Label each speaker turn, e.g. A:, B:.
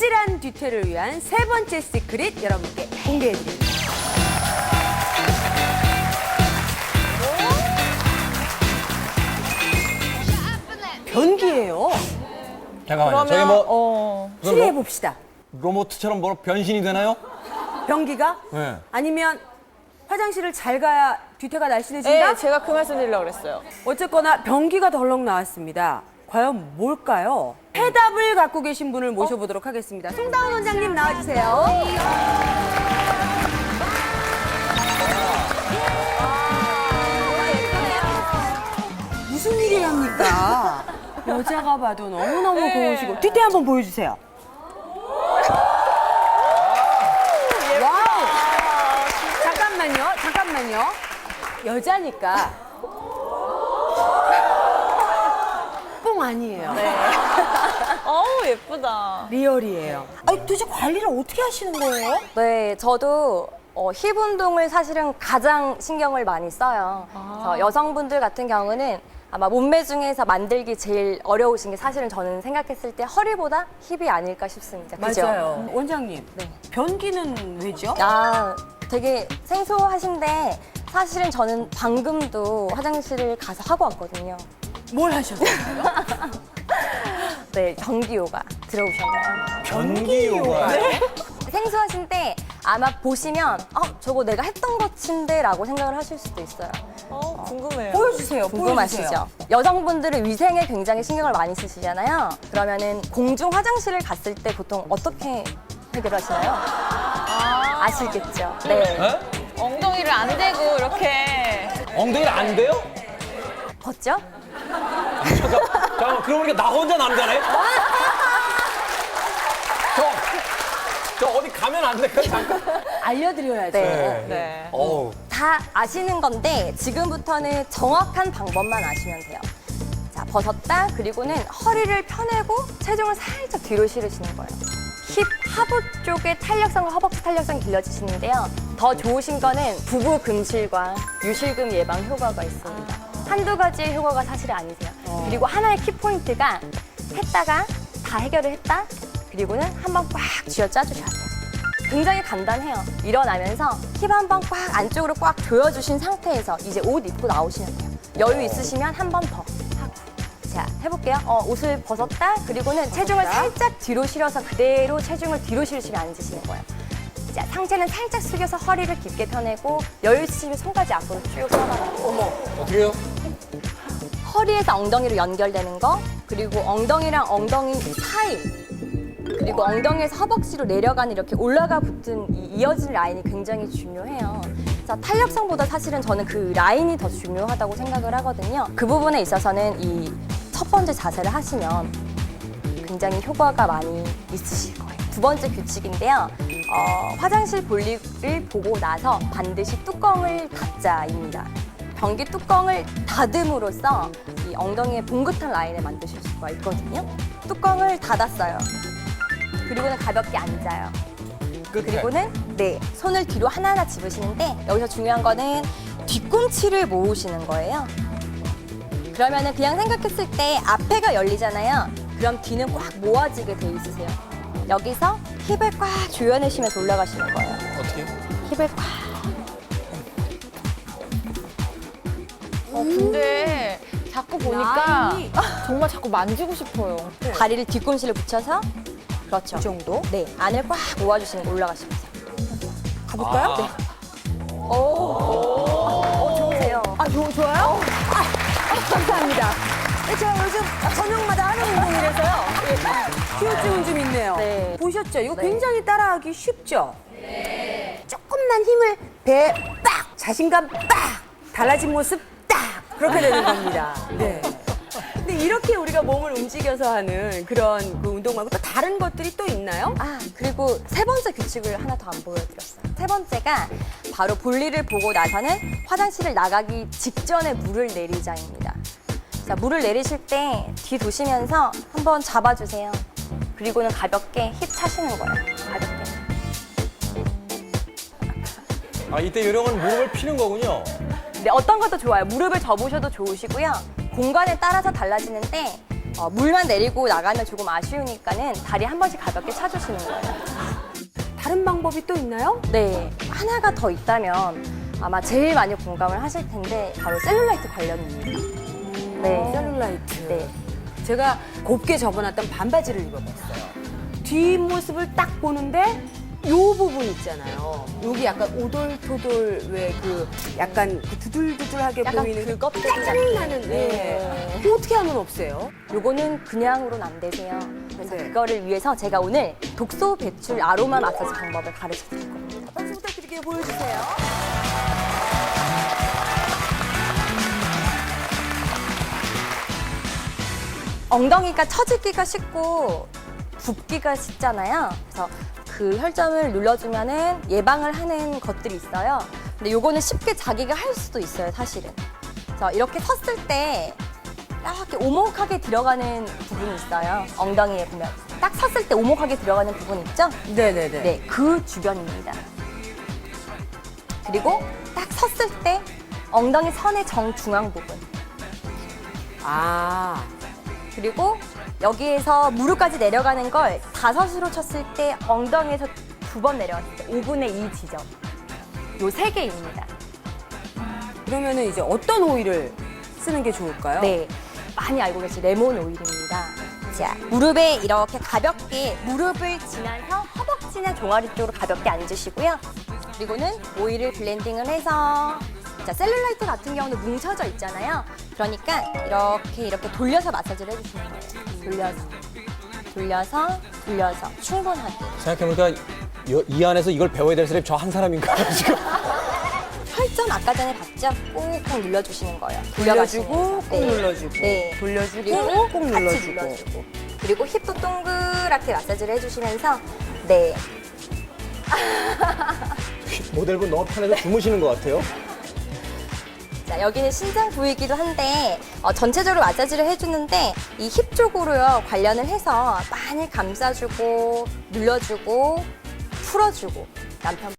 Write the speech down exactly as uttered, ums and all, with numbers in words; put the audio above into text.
A: 아찔한 뒤태를 위한 세 번째 시크릿 여러분께 공개해드립니다. 변기예요.
B: 잠깐만요. 저게 뭐
C: 어.
A: 추리해 봅시다.
B: 로봇처럼 뭐 변신이 되나요?
A: 변기가?
B: 네.
A: 아니면 화장실을 잘 가야 뒤태가 날씬해진다?
C: 네, 제가 그 말씀 드리려고 그랬어요.
A: 어쨌거나 변기가 덜렁 나왔습니다. 과연 뭘까요? 해답을 갖고 계신 분을 모셔보도록 하겠습니다. 송다운 원장님 나와주세요. 무슨 일이 합니까? 여자가 봐도 너무너무 고우시고 뒤태 한번 보여주세요. 와우! 잠깐만요, 잠깐만요. 여자니까 뽕 아니에요.
C: 어우, 예쁘다.
A: 리얼이에요. 아니 도대체 관리를 어떻게 하시는 거예요?
D: 네, 저도 어, 힙 운동을 사실은 가장 신경을 많이 써요. 그래서 여성분들 같은 경우는 아마 몸매 중에서 만들기 제일 어려우신 게 사실은 저는 생각했을 때 허리보다 힙이 아닐까 싶습니다. 그죠?
A: 맞아요. 원장님,
D: 네.
A: 변기는 왜죠?
D: 아, 되게 생소하신데 사실은 저는 방금도 화장실을 가서 하고 왔거든요.
A: 뭘 하셨어요?
D: 네, 전기 요가 들어오셨나요?
B: 변기 요가.
D: 생소하신데 아마 보시면 어, 저거 내가 했던 것인데 라고 생각을 하실 수도 있어요.
C: 어, 궁금해요.
A: 보여주세요.
D: 궁금하시죠?
A: 보여주세요.
D: 여성분들은 위생에 굉장히 신경을 많이 쓰시잖아요. 그러면은 공중 화장실을 갔을 때 보통 어떻게 해결하시나요? 아, 아시겠죠? 네.
B: 네?
C: 엉덩이를 안 대고 이렇게.
B: 엉덩이를 안 돼요?
D: 벗죠?
B: 잠깐, 잠깐, 그러고 보니까 나 혼자 남자네? 저, 저 어디 가면 안 돼요? 잠깐.
A: 알려드려야죠.
D: 네.
C: 네.
B: 어우.
D: 다 아시는 건데 지금부터는 정확한 방법만 아시면 돼요. 자, 벗었다. 그리고는 허리를 펴내고 체중을 살짝 뒤로 실으시는 거예요. 힙 하부 쪽에 탄력성과 허벅지 탄력성이 길러지시는데요. 더 좋으신 거는 부부 금실과 유실금 예방 효과가 있습니다. 한두 가지의 효과가 사실 아니세요. 그리고 하나의 키포인트가 했다가 다 해결을 했다. 그리고는 한번 꽉 쥐어 짜주셔야 돼요. 굉장히 간단해요. 일어나면서 힙 한 번 꽉 안쪽으로 꽉 조여주신 상태에서 이제 옷 입고 나오시면 돼요. 여유 있으시면 한 번 더 하고. 자, 해볼게요. 어, 옷을 벗었다. 그리고는 체중을 살짝 뒤로 실어서 그대로 체중을 뒤로 실으시면 앉으시는 거예요. 자, 상체는 살짝 숙여서 허리를 깊게 펴내고 여유 있으시면 손까지 앞으로 쭉 뻗어가요. 어머.
B: 어떻게 해요?
D: 허리에서 엉덩이로 연결되는 거, 그리고 엉덩이랑 엉덩이 사이, 그리고 엉덩이에서 허벅지로 내려가는 이렇게 올라가 붙은 이 이어진 라인이 굉장히 중요해요. 자, 탄력성보다 사실은 저는 그 라인이 더 중요하다고 생각을 하거든요. 그 부분에 있어서는 이 첫 번째 자세를 하시면 굉장히 효과가 많이 있으실 거예요. 두 번째 규칙인데요. 어, 화장실 볼일을 보고 나서 반드시 뚜껑을 닫자입니다. 변기 뚜껑을 닫음으로써 이 엉덩이의 봉긋한 라인을 만드실 수가 있거든요. 뚜껑을 닫았어요. 그리고는 가볍게 앉아요.
B: 끝에.
D: 그리고는 네, 손을 뒤로 하나하나 집으시는데 여기서 중요한 거는 뒤꿈치를 모으시는 거예요. 그러면은 그냥 생각했을 때 앞에가 열리잖아요. 그럼 뒤는 꽉 모아지게 돼 있으세요. 여기서 힙을 꽉 조여내시면서 올라가시는 거예요.
B: 어떻게?
D: 힙을 꽉.
C: 어, 근데 자꾸 보니까
A: 라인이-
C: 정말 자꾸 만지고 싶어요.
D: 다리를 뒤꿈치를 붙여서 그렇죠.
A: 이 정도?
D: 네, 안을 꽉 모아주시는 거 올라가시면서.
A: 가볼까요?
B: 아.
A: 네.
D: 어, 좋으세요.
A: 아, 좋, 좋아요? 아, 아, 감사합니다. 네, 제가 요즘 저녁마다 하는 운동이라서요. 휴증은 좀 있네요.
D: 네.
A: 보셨죠? 이거
D: 네.
A: 굉장히 따라하기 쉽죠? 네. 조금만 힘을 배에 빡! 자신감 빡! 달라진 모습 딱! 그렇게 되는 겁니다. 네. 근데 이렇게 우리가 몸을 움직여서 하는 그런 그 운동 말고 또 다른 것들이 또 있나요?
D: 아, 그리고 세 번째 규칙을 하나 더 안 보여드렸어요. 세 번째가 바로 볼일을 보고 나서는 화장실을 나가기 직전에 물을 내리자입니다. 자, 물을 내리실 때 뒤 도시면서 한번 잡아주세요. 그리고는 가볍게 힙 차시는 거예요. 가볍게.
B: 아, 이때 요령은 무릎을 피는 거군요.
D: 네, 어떤 것도 좋아요. 무릎을 접으셔도 좋으시고요. 공간에 따라서 달라지는데 어, 물만 내리고 나가면 조금 아쉬우니까는 다리 한 번씩 가볍게 차주시는 거예요.
A: 다른 방법이 또 있나요?
D: 네, 하나가 더 있다면 아마 제일 많이 공감을 하실 텐데 바로 셀룰라이트 관련입니다. 네,
A: 셀룰라이트.
D: 네.
A: 제가 곱게 접어놨던 반바지를 입어봤어요. 뒷모습을 딱 보는데 요 부분 있잖아요. 여기 약간 오돌토돌 왜 그 약간 그 두들두들하게
D: 약간
A: 보이는
D: 그 껍데기
A: 짜증
D: 같은.
A: 나는 네.
D: 네.
A: 그거 어떻게 하면 없애요?
D: 요거는 그냥으로는 안 되세요. 그래서
A: 네.
D: 그거를 위해서 제가 오늘 독소 배출 아로마 마사지 방법을 가르쳐 드릴 겁니다.
A: 박수 부탁드릴게요. 보여주세요.
D: 엉덩이가 처지기가 쉽고 붓기가 쉽잖아요. 그래서 그 혈점을 눌러주면은 예방을 하는 것들이 있어요. 근데 요거는 쉽게 자기가 할 수도 있어요, 사실은. 그래서 이렇게 섰을 때 이렇게 오목하게 들어가는 부분이 있어요. 엉덩이에 보면 딱 섰을 때 오목하게 들어가는 부분 있죠?
A: 네네네.
D: 네, 그 주변입니다. 그리고 딱 섰을 때 엉덩이 선의 정중앙 부분.
A: 아,
D: 그리고 여기에서 무릎까지 내려가는 걸 다섯으로 쳤을 때 엉덩이에서 두 번 내려갔을 때 오분의 이 지점. 요 세 개입니다.
A: 그러면은 이제 어떤 오일을 쓰는 게 좋을까요?
D: 네, 많이 알고 계신 레몬 오일입니다. 자, 무릎에 이렇게 가볍게 무릎을 지나서 허벅지나 종아리 쪽으로 가볍게 앉으시고요. 그리고는 오일을 블렌딩을 해서 자, 셀룰라이트 같은 경우는 뭉쳐져 있잖아요. 그러니까 이렇게 이렇게 돌려서 마사지를 해주시는 거예요. 돌려서, 돌려서, 돌려서 충분하게.
B: 생각해보니까 이, 이 안에서 이걸 배워야 될 사람이 저 한 사람인가요, 지금?
D: 혈점 아까 전에 봤죠? 꾹꾹 눌러주시는 거예요.
A: 돌려주고
D: 돌려가시면서.
A: 꾹 눌러주고
D: 네.
A: 돌려주고
D: 그리고
A: 꾹
D: 같이
A: 눌러주고.
D: 눌러주고. 그리고 힙도 동그랗게 마사지를 해주시면서 네.
B: 모델분 너무 편해서 주무시는 것 같아요.
D: 자, 여기는 신장 부위이기도 한데 어, 전체적으로 마사지를 해주는데 이 힙 쪽으로요 관련을 해서 많이 감싸주고 눌러주고 풀어주고 남편